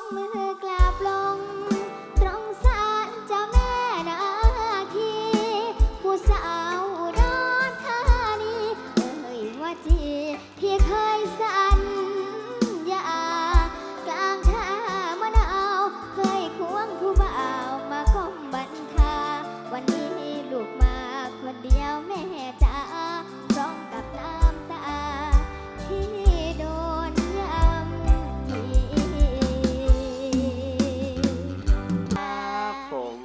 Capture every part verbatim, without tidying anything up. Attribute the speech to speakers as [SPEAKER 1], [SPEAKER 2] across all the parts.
[SPEAKER 1] มือกราบลงตรงศาลเจ้าแม่นาคีผู้สาวอุดรธานีเอ่ยว่าจีที่เคยสัญญากลางท่ามะนาวเคยควงผู้บ่าวมาก้มบันคาวันนี้ลูกมาคนเดียวแม่จ๋าพร้อมกับน้ำตาที่โดนยำที
[SPEAKER 2] ครับผม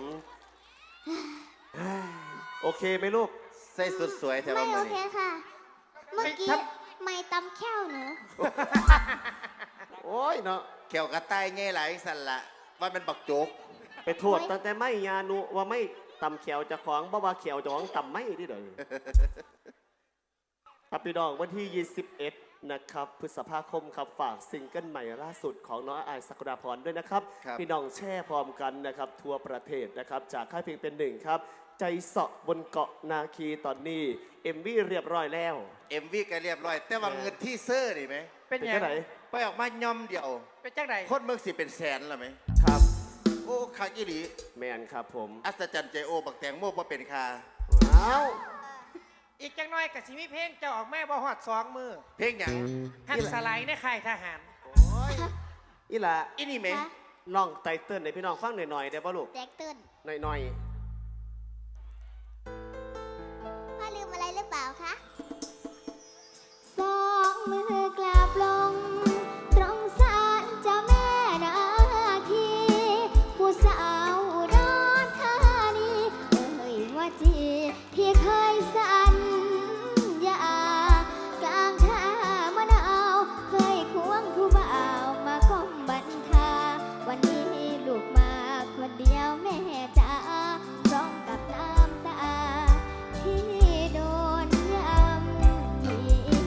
[SPEAKER 2] โอเคไหมลูก
[SPEAKER 3] ใส่สุดสวยแถว
[SPEAKER 1] ไม่
[SPEAKER 3] บ้าน
[SPEAKER 1] โอ
[SPEAKER 3] มือ
[SPEAKER 1] เค
[SPEAKER 3] นี่
[SPEAKER 1] ค่ะ เมื่อกี้ไม่ตำแค้วหนู
[SPEAKER 2] โอ้ยเนาะ
[SPEAKER 3] แขวกระต่ายไงหลายสันละว่ามันบักโจก
[SPEAKER 2] ไปโทษตั้งแต่ไม่ยานุว่าไม่ตำเขียวจะของบ่ว่าเขียวจะของตำไม่ที่เดี๋ยวนี้ครับพี่น้องวันที่ยี่สิบเอ็ดนะครับพฤษภาคมครับฝากซิงเกิลใหม่ล่าสุดของน้องอายสักดาพรด้วยนะครับพี่น้องแช่พร้อมกันนะครับทั่วประเทศนะครับจากค่ายเพลงเป็นหนึ่งครับใจเสาะบนเกาะนาคีตอนนี้เอ็มวีเรียบร้อยแล้ว
[SPEAKER 3] เอ็มวีก็เรียบร้อย แต่ว่าเงินที่เซอร์นี่ไหม
[SPEAKER 4] เป็น
[SPEAKER 2] เป็น
[SPEAKER 4] ยัง
[SPEAKER 2] แค่ไหน
[SPEAKER 3] ไปออกมาย่อมเดียว
[SPEAKER 4] เป็นจังได
[SPEAKER 3] คนเมืองสิเป็นแสนละไหม
[SPEAKER 2] ครับ
[SPEAKER 3] โอ้คักอีหลี
[SPEAKER 2] แมนครับผม
[SPEAKER 3] อัศจรรย์ใจโอบักแตงโมบ่เป็นคา
[SPEAKER 2] อ้าว
[SPEAKER 4] อีกจังน้อยกับสิมีเพลงเจ้าออกแม่บ่ฮอดสองมือ
[SPEAKER 3] เพลงหยัง
[SPEAKER 4] หักสไลด์ในค่ายทหาร
[SPEAKER 2] อีหละ
[SPEAKER 3] อีนี่ไหม
[SPEAKER 1] คะ
[SPEAKER 2] ลองไตเติ้ลให้พี่น้องฟังหน่อยๆได้ป่ะลูก
[SPEAKER 1] แตกตื่น
[SPEAKER 2] หน่อย
[SPEAKER 1] พ่อลืมอะไรหรือเปล่าคะสองมือกราบลงตรงศาลเจ้าแม่นาคีผู้สาวอุดรธานีเอ่ยว่าจีที่เคยสัญญากลางท่ามะนาวเคยควงผู้บ่าวมาก้มบันคาวันนี้ลูกมาคนเดียวแม่จ๋าพร้อมกับน้ำตาที่โดนยำที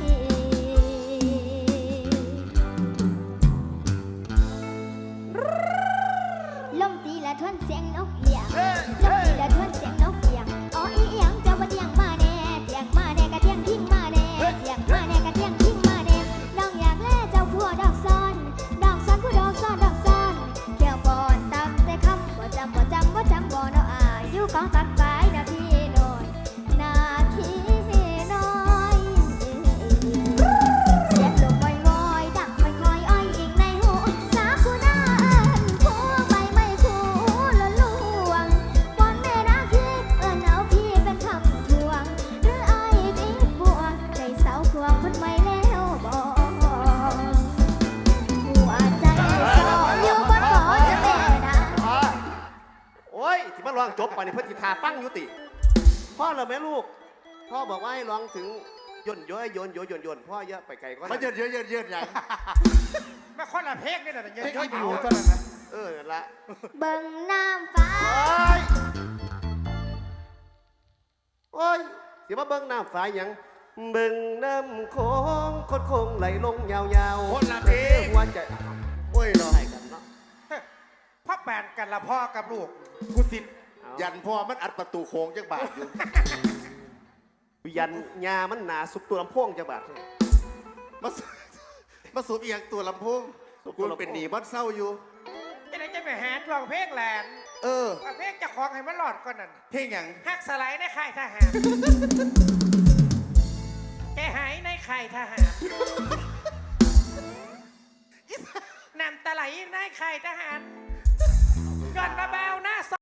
[SPEAKER 1] ลมตีละทวนเสียงนกเอียงลมตีละทวนเสียงนกเอียงอ๋ออีเอียงจะว่าเตียงมาแน่เตียงมาแน่กะเตียงทิ้งมาแน่เตียงมาแน่กะเตียงทิ้งมาแน่น้องอยากแล่เจ้าผัวดอกซ้อนดอกซ้อนผู้ดอกซ้อนดอกซ้อนแก้วบอนตำแต่คำบ่จำบ่จำบ่จำบ่เนาะอายุของตักกายนะพี่น้อยนาคีน้อยเสียงลมวอยๆดังค่อยๆอ้อยอิงในหูสาคูน่าเอิ้นคู่ใบไม้คู่ละลวงวอนแม่นาคีเอิ้นเอาพี่เป็นคำทวงหรืออ้ายติดบ่วงใจเสาควงคนใหม่แล้วบ่หัวใจสออยู่บนเกาะจะแม่นา
[SPEAKER 2] ๆพ่อโอ้ยที่มาร้องจบไปนี่เพื่อนทิทาฟังอยุติพ่อเหรอแม่ลูก พ่อบอกว่าให้ร้องถึงย่นย้อยโยนโยนโยนโยนพ่อเยอะไปไกลก็
[SPEAKER 3] มันเยอะเยอะเยอะเยอะหยัง
[SPEAKER 4] มาคนละเพลงนี่แหละเย
[SPEAKER 3] เพลง
[SPEAKER 4] อะ
[SPEAKER 3] ที่
[SPEAKER 4] ๆ
[SPEAKER 3] อยู่
[SPEAKER 4] อยู่
[SPEAKER 3] ตัวนั้นนะ
[SPEAKER 2] เออนั่นละ
[SPEAKER 1] เบิ่งน้ำฟ้า
[SPEAKER 2] โอ้ยโอ้ยสิมาเบิ่งน้ำฟ้าหยังเบิ่งน้ำโค้งคดโค้งไหลลงยาวๆ
[SPEAKER 3] คนละเพลง
[SPEAKER 2] หัวใจ
[SPEAKER 3] โอ้ยเนาะ
[SPEAKER 2] ใช่กันเนาะ
[SPEAKER 4] พ่อแปนกันละพ่อกับลูก
[SPEAKER 3] กูสิ
[SPEAKER 2] เอา
[SPEAKER 3] ยันพ่อมันอัดประตูโค้งจักบาทอยู่
[SPEAKER 2] ยันยามันหนาสุกตัวลำโพงจังบาด
[SPEAKER 3] มาสูมาสูบอีกอย่างตัวลำโพง
[SPEAKER 2] สูบตั
[SPEAKER 3] กู
[SPEAKER 2] วลำโพง
[SPEAKER 3] เป็นหนีบ้านเศร้าอยู่
[SPEAKER 4] จะได้จะไปหาทวงเพลงแหลน
[SPEAKER 3] เออ
[SPEAKER 4] เอาเพลงเจะของให้มันหลอดก่อนนั่น
[SPEAKER 3] เพลงหยัง
[SPEAKER 4] หักสไลด์ในค่ายทหารแกหายในค่ายทหารนำตะไหลในค่ายทหารก่อนมาบ้า